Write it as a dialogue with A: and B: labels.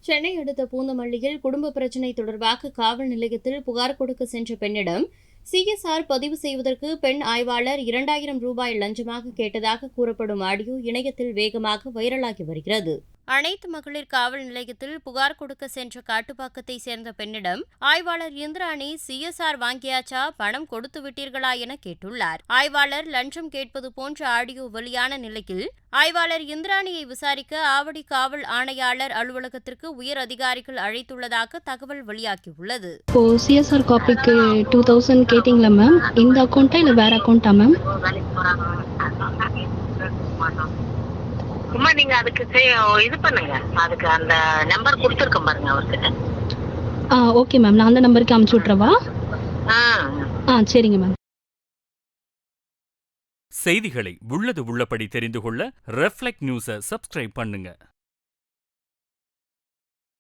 A: சென்னை அடுத்த பூந்தமல்லியில் குடும்ப பிரச்சினை தொடர்பாக காவல் நிலையத்தில் புகார் கொடுக்க சென்ற பெண்ணிடம் சிஎஸ்ஆர் பதிவு செய்வதற்கு பெண் ஆய்வாளர் 2000 ரூபாய் லஞ்சமாக கேட்டதாக கூறப்படும் ஆடியோ இணையத்தில் வேகமாக வைரலாகி வருகிறது. அனைத்து மகளிர் காவல் நிலையத்தில் புகார் கொடுக்க சென்ற காட்டுப்பாக்கத்தை சேர்ந்த பெண்ணிடம் ஆய்வாளர் இந்திராணி சிஎஸ்ஆர் வாங்கியாச்சா, பணம் கொடுத்து விட்டீர்களா என கேட்டுள்ளார். ஆய்வாளர் லஞ்சம் கேட்பது போன்ற ஆடியோ வெளியான நிலையில் ஆய்வாளர் இந்திராணியை விசாரிக்க ஆவடி காவல் ஆணையாளர் அலுவலகத்திற்கு உயர் அதிகாரிகள் அழைத்துள்ளதாக தகவல் வெளியாகியுள்ளது.
B: சிஎஸ்ஆர் காப்பிக்கு 2000 கேட்டீங்களா மேம்? இந்த அக்கௌண்ட்டா இல்ல வேற அக்கௌண்ட்டா மேம்?
C: சும்மா நீங்க அதுக்கு இது பண்ணுங்க, அதுக்கு அந்த நம்பர் கொடுத்துருக்கேன் பாருங்க அவர்கிட்ட.
B: ஓகே மேம், நான் அந்த நம்பருக்கு அனுப்பிச்சு விட்றவா? சரிங்க மேம்.
D: செய்திகளை உள்ளது உள்ளபடி தெரிந்து கொள்ள ரெஃப்ளெக்ட் நியூஸை சப்ஸ்கிரைப் பண்ணுங்க.